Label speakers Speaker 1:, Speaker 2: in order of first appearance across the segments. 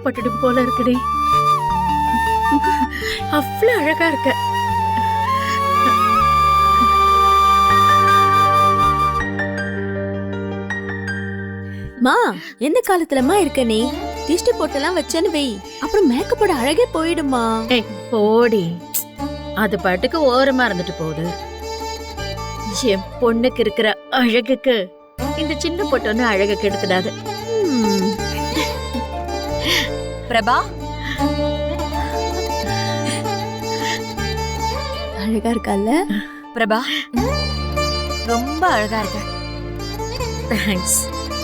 Speaker 1: வெக்கப்பட்டுடும் போல இருக்குடி. அவ்வளவு அழகா இருக்க.
Speaker 2: மா, எந்த காலத்துலமா இருக்க நீ? திஷ்டி போட்டெல்லாம் வச்சேன்னு வை, அப்புறம் மேக்கப்போட அழகே போயிடுமா.
Speaker 1: ஏய் போடி, அது பாட்டுக்கு ஓரமா இருந்துட்டு போகுது. என் பொண்ணுக்கு இருக்கிற அழகுக்கு இந்த சின்ன பொட்டொன்னு அழகு கெடுத்துடாது.
Speaker 3: பிரபா,
Speaker 2: அழகா இருக்கல்ல?
Speaker 3: பிரபா ரொம்ப அழகா இருக்க.
Speaker 1: தேங்க்ஸ்.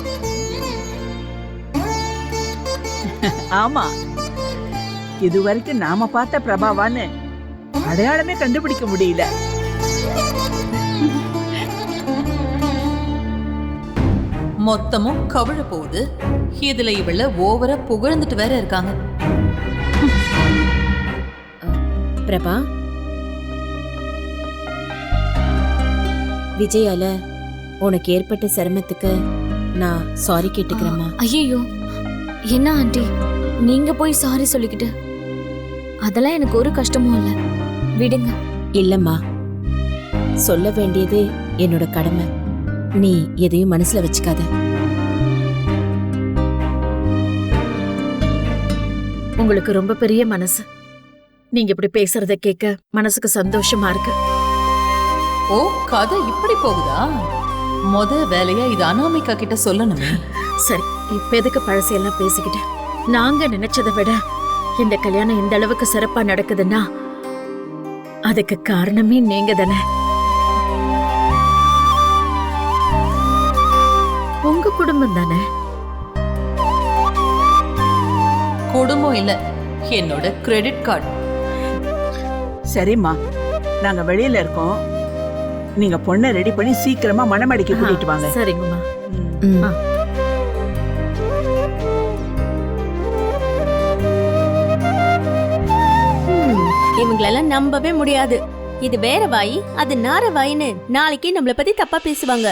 Speaker 4: ஆமா, இதுவரைக்கும் நாம பார்த்த பிரபாவான்னு அடையாளமே கண்டுபிடிக்க முடியல.
Speaker 5: மொத்தமும் கவிழ போகுது. இதுல இவள ஓவரா புகழ்ந்துட்டு வேற இருக்காங்க.
Speaker 6: பிரபா, விஜயால உனக்கு ஏற்பட்ட சிரமத்துக்கு நான் சாரி கேட்டுக்கிறேம்மா.
Speaker 7: ஐயோ, என்ன ஆண்டி நீங்க போய் சாரி சொல்லிக்கிட்டு? அதெல்லாம் எனக்கு ஒரு கஷ்டமும் இல்ல, விடுங்க.
Speaker 6: இல்லம்மா, சொல்ல வேண்டியது என்னோட கடமை. நீ எதையும் மனசுல வச்சுக்காத.
Speaker 1: உங்களுக்கு ரொம்ப பெரிய மனசு. நீங்க இப்படி பேசுறத கேட்க மனசுக்கு சந்தோஷமா இருக்கு.
Speaker 5: ஓ, கதை இப்படி போகுதா? முத வேலையா இது அனாமிகா கிட்ட சொல்லணுமே.
Speaker 1: சரி, இப்ப எதுக்கு பழசையெல்லாம் பேசிக்கிட்டு? நாங்க நினைச்சதை விட இந்த கல்யாணம் இந்த அளவுக்கு சிறப்பா நடக்குதுன்னா அதுக்கு காரணமே நீங்க தானே. உங்க குடும்பம் தானே.
Speaker 5: குடும்பம் இல்ல, என்னோட கிரெடிட் கார்டு.
Speaker 4: சரிம்மா, நாங்க வெளியில இருக்கோம். நீங்க பொண்ணை ரெடி பண்ணி சீக்கிரமா மணமடிக்க கூட்டிட்டு வாங்க.
Speaker 1: சரிங்கம்மா.
Speaker 6: ம்.
Speaker 2: இவங்களெல்லாம் நம்பவே முடியாது. இது வேற வாய், அது நார வாயின்னு நாளைக்கு நம்மள பத்தி தப்பா பேசுவாங்க.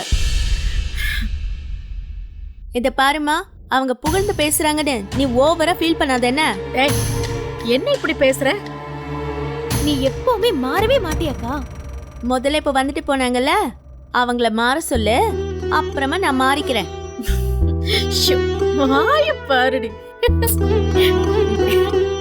Speaker 2: இத பாருமா, அவங்க புகழ்ந்து பேசுறாங்கன்னு நீ ஓவரா ஃபீல் பண்ணாத. என்ன
Speaker 1: என்ன இப்படி பேசுற?
Speaker 7: நீ எப்பவுமே மாறவே மாட்டியாக்கா.
Speaker 2: முதல்ல இப்ப வந்துட்டு போனாங்கல்ல, அவங்கள மாற சொல்லு, அப்புறமா நான் மாறிக்கிறேன்.
Speaker 1: வாய பாருடி.